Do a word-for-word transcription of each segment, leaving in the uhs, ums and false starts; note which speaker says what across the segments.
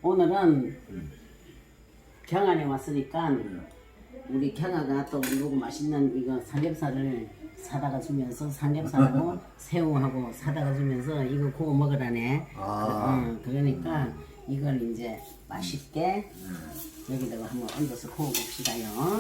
Speaker 1: 오늘은 경안에 왔으니까 우리 경아가 또 누구 맛있는 이거 삼겹살을 사다가 주면서 삼겹살하고 새우하고 사다가 주면서 이거 구워 먹으라네.
Speaker 2: 아.
Speaker 1: 응, 그러니까 이걸 이제 맛있게 여기다가 한번 얹어서 구워 봅시다요.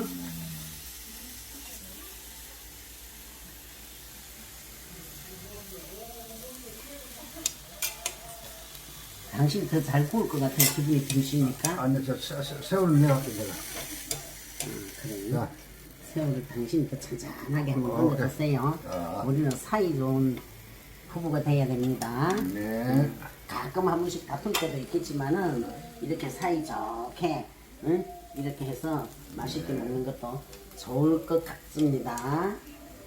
Speaker 1: 당신 더 잘 구울 것 같은 기분이 드십니까?
Speaker 2: 아니 저 새- 새- 새우를 내갈게 내가.
Speaker 1: 음, 그래.
Speaker 2: 자,
Speaker 1: 새우를 당신이 더 잔잔하게 한번
Speaker 2: 어,
Speaker 1: 얹어주세요.
Speaker 2: 아.
Speaker 1: 우리는 사이 좋은 부부가 돼야 됩니다.
Speaker 2: 네.
Speaker 1: 가끔 한 번씩 다툴 때도 있겠지만은 이렇게 사이 좋게 응? 이렇게 해서 맛있게 먹는 것도 좋을 것 같습니다.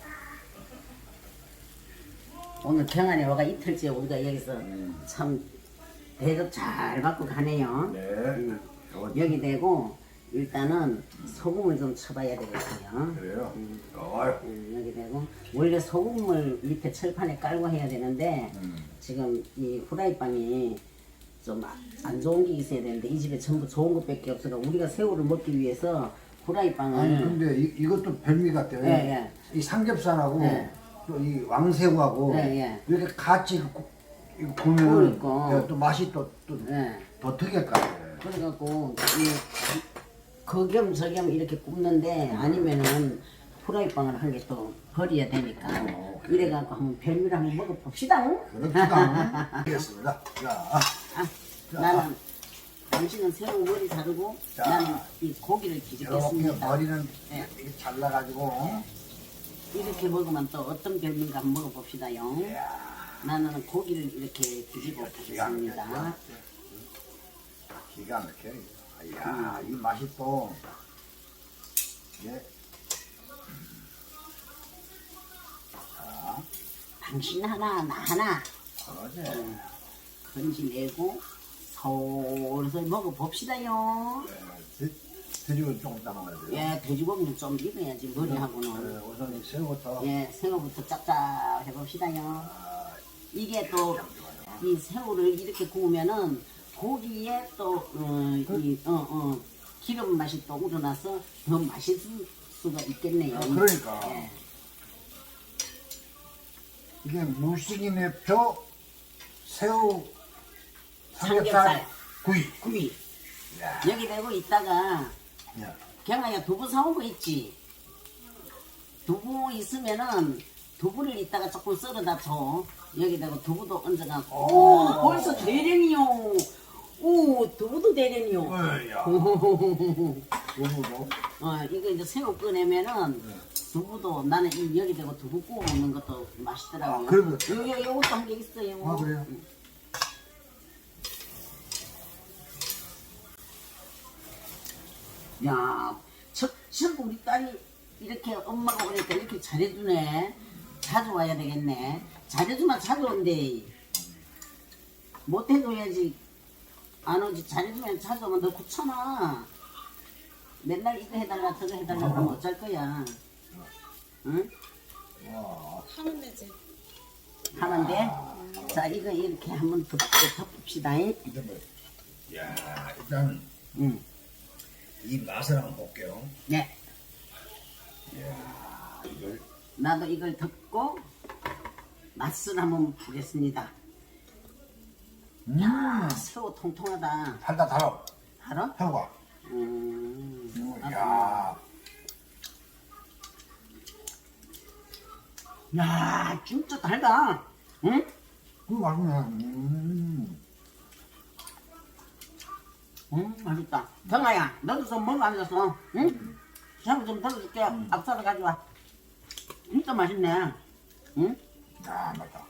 Speaker 1: 오늘 경안에 와가 이틀째 우리가 여기서 참 대접 잘 받고 가네요.
Speaker 2: 네.
Speaker 1: 음, 여기 대고 일단은 소금을 좀 쳐봐야 되겠어요.
Speaker 2: 그래요.
Speaker 1: 음,
Speaker 2: 어이.
Speaker 1: 음, 여기 대고 원래 소금을 밑에 철판에 깔고 해야 되는데
Speaker 2: 음.
Speaker 1: 지금 이 후라이빵이 좀 안 좋은 게 있어야 되는데 이 집에 전부 좋은 것밖에 없어서 우리가 새우를 먹기 위해서 후라이빵을
Speaker 2: 아니 근데 이, 이것도 별미 같아요.
Speaker 1: 예, 예.
Speaker 2: 이 삼겹살하고
Speaker 1: 예.
Speaker 2: 또 이 왕새우하고
Speaker 1: 예, 예.
Speaker 2: 이렇게 같이 구- 이거 보면
Speaker 1: 그러니까.
Speaker 2: 또 맛이 또 또 더
Speaker 1: 예.
Speaker 2: 특이할 것 같아요.
Speaker 1: 그래갖고 이 거겸 저겸 이렇게 굽는데 아니면은 후라이빵을 한 개 또 버려야 되니까
Speaker 2: 어,
Speaker 1: 이래갖고 한번 별미를 한번 먹어봅시다.
Speaker 2: 그렇다. 알겠습니다. 자,
Speaker 1: 아, 나는 당신은 새우 머리 자르고
Speaker 2: 자.
Speaker 1: 나는 이 고기를
Speaker 2: 이렇게
Speaker 1: 뒤집겠습니다.
Speaker 2: 머리는
Speaker 1: 예.
Speaker 2: 이렇게 잘라가지고
Speaker 1: 이렇게 먹으면 또 어떤 별미인가 한번 먹어봅시다요. 나는 고기를 이렇게 뒤집어 보겠습니다.
Speaker 2: 기가 막혀. 이야, 이 맛이 또 예. 자,
Speaker 1: 당신 하나 나 하나
Speaker 2: 그러지.
Speaker 1: 건지내고 솔솔 먹어봅시다요.
Speaker 2: 돼- 돼지고기 조금 담아야 돼요.
Speaker 1: 예, 돼지고기는 좀 익어야지 머리하고는.
Speaker 2: 네, 우선 이 새우부터.
Speaker 1: 예, 새우부터 짭짭 해봅시다요.
Speaker 2: 아,
Speaker 1: 이게 또 이 새우를 이렇게 구우면은 고기에 또 어, 이, 어, 어, 기름 맛이 또 우러나서 더 맛있을 수가 있겠네요.
Speaker 2: 아, 그러니까.
Speaker 1: 예.
Speaker 2: 이게 무식인의 표 새우 삼겹살
Speaker 1: 삼겹살.
Speaker 2: 구이.
Speaker 1: 구이.
Speaker 2: 야,
Speaker 1: 여기 대고 있다가
Speaker 2: 야.
Speaker 1: 경아야 두부 사온 거 있지? 두부 있으면은 두부를 이따가 조금 썰어다 줘. 여기 대고 두부도 얹어갖고. 오, 벌써 대련이요. 오, 두부도 대련이요.
Speaker 2: 어이야.
Speaker 1: 어,
Speaker 2: 두부도.
Speaker 1: 이거 이제 새우 꺼내면은 두부도 나는 이 여기 대고 두부 구워 먹는 것도 맛있더라고요.
Speaker 2: 아, 그리고-
Speaker 1: 여기 요것도 한 개 있어요.
Speaker 2: 아, 그래요?
Speaker 1: 야, 저, 저 우리 딸이 이렇게 엄마가 오니까 이렇게 잘해주네. 자주 와야 되겠네. 잘해주면 자주 온대. 못해줘야지 안 오지. 잘해주면 자주 오면 너 귀찮아. 맨날 이거 해달라 저거 해달라 그러면 어쩔 거야. 응?
Speaker 2: 와.
Speaker 3: 하면 되지.
Speaker 1: 하면 돼? 자, 이거 이렇게 한번 덮, 덮읍시다.
Speaker 2: 이제 뭐. 야, 일단
Speaker 1: 응.
Speaker 2: 이 맛을 한번 볼게요.
Speaker 1: 네.
Speaker 2: 이야, 이걸.
Speaker 1: 나도 이걸 덮고 맛을 한번 보겠습니다.
Speaker 2: 음.
Speaker 1: 야, 새우 통통하다.
Speaker 2: 달다 달아.
Speaker 1: 알아?
Speaker 2: 새우가.
Speaker 1: 음.
Speaker 2: 음, 야.
Speaker 1: 야, 진짜 달다. 응?
Speaker 2: 그 맛있네. 음.
Speaker 1: 음, 맛있다. 경아야, 너도 좀 먹어 앉아서. 응? 새우 좀 덜어줄게. 앞살을 가져와. 진짜 맛있네. 응?
Speaker 2: 야, 맛있다.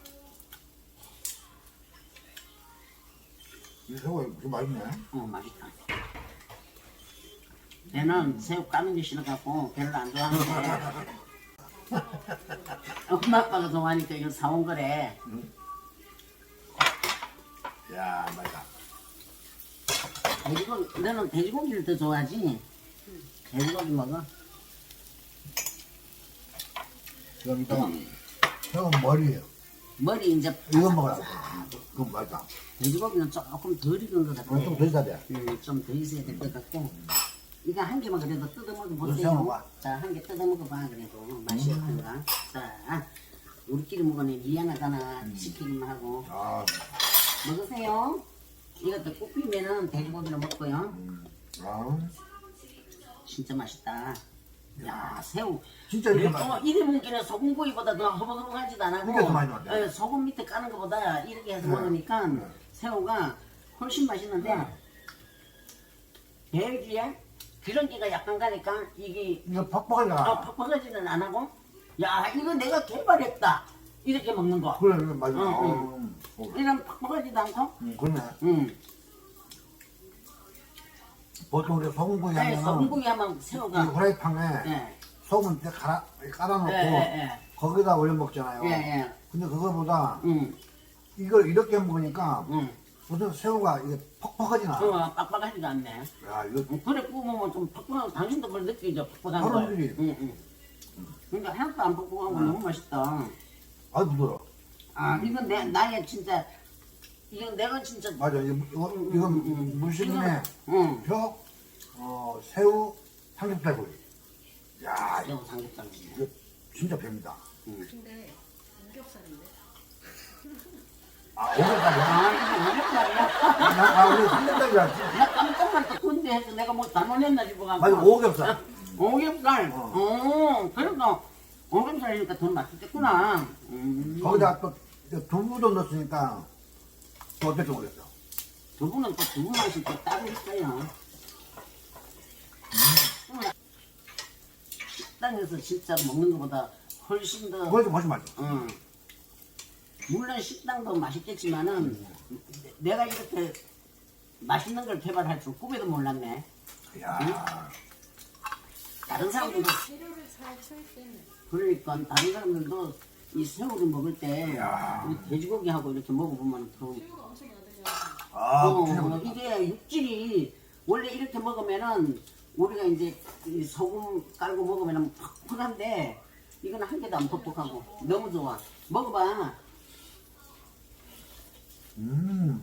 Speaker 2: 이 새우가 이렇게 맛있네.
Speaker 1: 어, 맛있다. 얘는 새우 까는 게 싫어갖고 별로 안 좋아하는데 엄마 아빠가 좋아하니까 이거 사온 거래.
Speaker 2: 야, 맛있다.
Speaker 1: 돼지고기, 너는 돼지고기를 더 좋아하지? 돼지고기 먹어?
Speaker 2: 그럼 또 새우 머리예요.
Speaker 1: 머리 이제
Speaker 2: 이거 먹으라고. 그건 맛있다.
Speaker 1: 돼지고기는 조금 덜 익은 것 같아.
Speaker 2: 어, 좀더 있어야 돼.
Speaker 1: 음, 좀 더 있어야 될 것 같고. 이거 한 개만 그래도 뜯어
Speaker 2: 이거
Speaker 1: 먹어보세요.
Speaker 2: 세워봐.
Speaker 1: 자, 한 개 뜯어 먹어봐. 그래도 맛이 어떤가. 자, 우리끼리 먹으니 미안하잖아. 시키기만 하고.
Speaker 2: 아,
Speaker 1: 먹으세요. 이것도 굽히면은 돼지고기를 먹고요.
Speaker 2: 음. 아,
Speaker 1: 진짜 맛있다. 야, 새우.
Speaker 2: 진짜 이렇게
Speaker 1: 어,
Speaker 2: 맛있다.
Speaker 1: 이래 먹기는 소금구이보다 더 허벅허벅하지도 안 하고
Speaker 2: 이게 더 많이 맛있다.
Speaker 1: 예, 소금 밑에 까는 것보다 이렇게 해서
Speaker 2: 네.
Speaker 1: 먹으니까
Speaker 2: 네.
Speaker 1: 새우가 훨씬 맛있는데
Speaker 2: 네.
Speaker 1: 배기에 기름기가 약간 가니까 이게
Speaker 2: 이거 퍽퍽하게
Speaker 1: 어,
Speaker 2: 가.
Speaker 1: 퍽퍽하지는 안 하고 야 이거 내가 개발했다 이렇게 먹는 거.
Speaker 2: 그래, 그래, 맞아.
Speaker 1: 응,
Speaker 2: 어,
Speaker 1: 응.
Speaker 2: 어,
Speaker 1: 이런 퍽퍽하지도 않고
Speaker 2: 음, 그러네.
Speaker 1: 음.
Speaker 2: 보통 우리 소금구이
Speaker 1: 네,
Speaker 2: 하면은
Speaker 1: 소금구이 하면
Speaker 2: 이
Speaker 1: 새우가
Speaker 2: 후라이팬에
Speaker 1: 예,
Speaker 2: 소금 이렇게 갈아, 깔아놓고
Speaker 1: 예, 예,
Speaker 2: 거기다 올려 먹잖아요.
Speaker 1: 예, 예,
Speaker 2: 근데 그거보다
Speaker 1: 음,
Speaker 2: 이걸 이렇게 먹으니까
Speaker 1: 음.
Speaker 2: 무슨 새우가 이게 퍽퍽하진 않아.
Speaker 1: 어, 빡빡하지도 않네.
Speaker 2: 야, 이거
Speaker 1: 음, 그래 구우면 좀 퍽퍽하고 당신도 그걸 느끼죠 퍽퍽한
Speaker 2: 바로
Speaker 1: 걸.
Speaker 2: 느끼지.
Speaker 1: 응, 응. 그러니까 하나도 안 퍽퍽한 거 너무 맛있다.
Speaker 2: 아주 부드러워.
Speaker 1: 아 이건 내 나의 진짜 이건 내가 진짜
Speaker 2: 맞아. 이거, 이거, 이건 무심의
Speaker 1: 응.
Speaker 2: 표, 어, 새우, 삼겹살구이. 야,
Speaker 1: 새우 삼겹살.
Speaker 2: 이거 진짜 뱀이다.
Speaker 3: 근데 삼겹살인데?
Speaker 2: 아, 오겹살이야?
Speaker 1: 아 이게 오겹살이야?
Speaker 2: 아, 우리 삼겹살이야.
Speaker 1: 나 깜짝만 또 군대 해서 내가 뭐 잘못했나 싶어가지고.
Speaker 2: 맞아, 오겹살.
Speaker 1: 오겹살.
Speaker 2: 어.
Speaker 1: 어. 그래서 오겹살이니까 더 맛있겠구나. 음.
Speaker 2: 거기다 또 이제 두부도 넣었으니까 또 어떨지 모르겠어.
Speaker 1: 두부는 또 두부 맛이 또 따로 있어요. 음. 식당에서 진짜 먹는 것보다 훨씬 더.
Speaker 2: 그거 좀 훨씬 맛있어.
Speaker 1: 응. 물론 식당도 맛있겠지만은 내- 내가 이렇게 맛있는 걸 개발할 줄 꿈에도 몰랐네.
Speaker 2: 이야,
Speaker 1: 다른 사람들도
Speaker 3: 재료를 잘 칠 때는
Speaker 1: 그러니까 다른 사람들도 이 새우를 먹을 때
Speaker 2: 야.
Speaker 1: 이 돼지고기하고 이렇게 먹어보면 더
Speaker 3: 재료가 엄청 많이 되잖아.
Speaker 2: 아,
Speaker 1: 어,
Speaker 2: 진짜 맛있다.
Speaker 1: 이게 육질이 원래 이렇게 먹으면은 우리가 이제 이 소금 깔고 먹으면은 퍽퍽한데 이건 한 개도 안 퍽퍽하고 너무 좋아. 먹어봐.
Speaker 2: 음.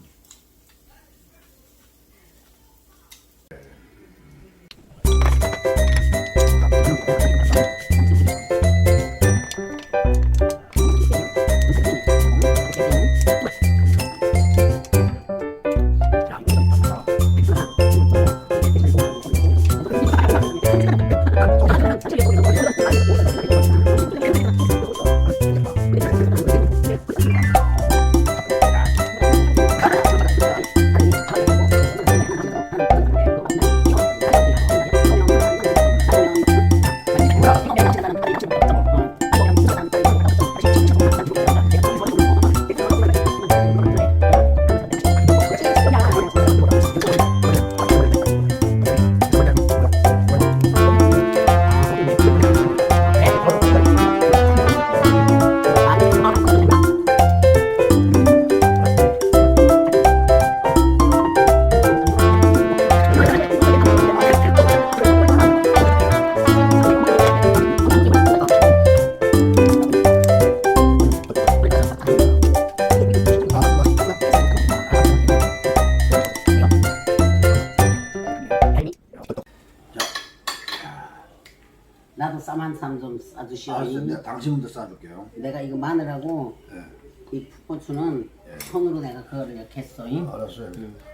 Speaker 1: 나도 쌈 한 쌈 좀 싸주시오.
Speaker 2: 알았어, 내가 당신 먼저 싸줄게요.
Speaker 1: 내가 이거 마늘하고
Speaker 2: 예.
Speaker 1: 이 풋고추는 손으로 내가 그거를 이렇게 했어.
Speaker 2: 알았어요.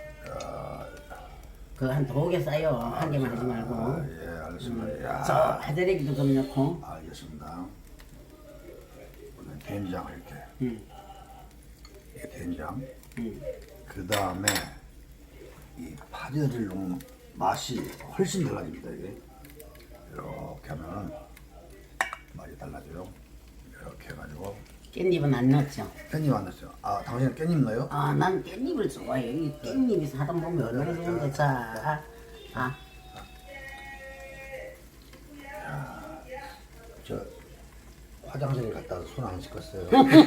Speaker 1: 그한 두 개 싸요. 한 개만 하지 말고.
Speaker 2: 아, 예, 알겠습니다. 야,
Speaker 1: 저 하드레기도 좀 넣고.
Speaker 2: 알겠습니다. 오늘 된장을 이렇게.
Speaker 1: 음.
Speaker 2: 이게 된장.
Speaker 1: 음.
Speaker 2: 그 다음에 이 파절이를 넣으면 맛이 훨씬 달라집니다. 이게 이렇게 하면 맛이 달라져요. 이렇게 해가지고
Speaker 1: 깻잎은 안 넣었죠.
Speaker 2: 깻잎 안 넣었어요. 아, 당신은 깻잎 넣어요?
Speaker 1: 아, 난 깻잎을 좋아해. 이 깻잎이 사다 보면 얼마나 좋은데. 자, 아,
Speaker 2: 저 화장실 갔다 와서 손 안 씻었어요.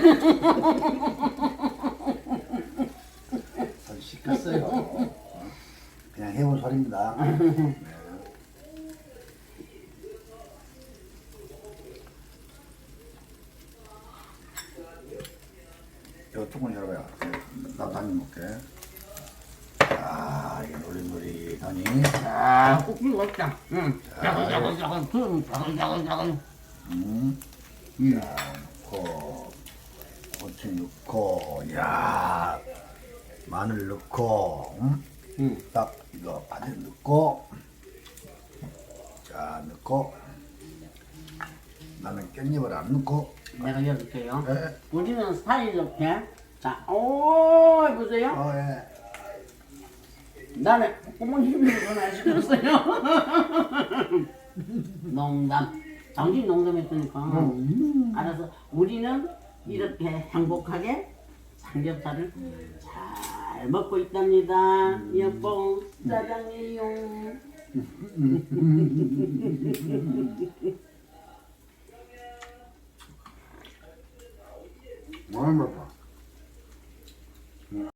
Speaker 2: 손 씻었어요. 어? 그냥 해본 소리입니다. 네. 이거 조금 열어봐요. 나도 많이.
Speaker 1: 아, 꼭지 먹자. 응. 자글자글자글, 그 자글자글자글.
Speaker 2: 음, 이 넣고, 고추 넣고, 야, 마늘 넣고, 음?
Speaker 1: 응.
Speaker 2: 딱 이거 파전 넣고, 자 넣고, 나는 깻잎을 안 넣고,
Speaker 1: 내가 열을게요.
Speaker 2: 예,
Speaker 1: 우리는 스타일 이렇게. 자, 오, 보세요.
Speaker 2: 어, 예.
Speaker 1: 나는 어머님이 전화 시켰어요. 농담. 당신 농담했으니까.
Speaker 2: 음.
Speaker 1: 알아서 우리는 이렇게 행복하게 삼겹살을 잘 먹고 있답니다. 여보, 짜장이요.
Speaker 2: 많이 먹어.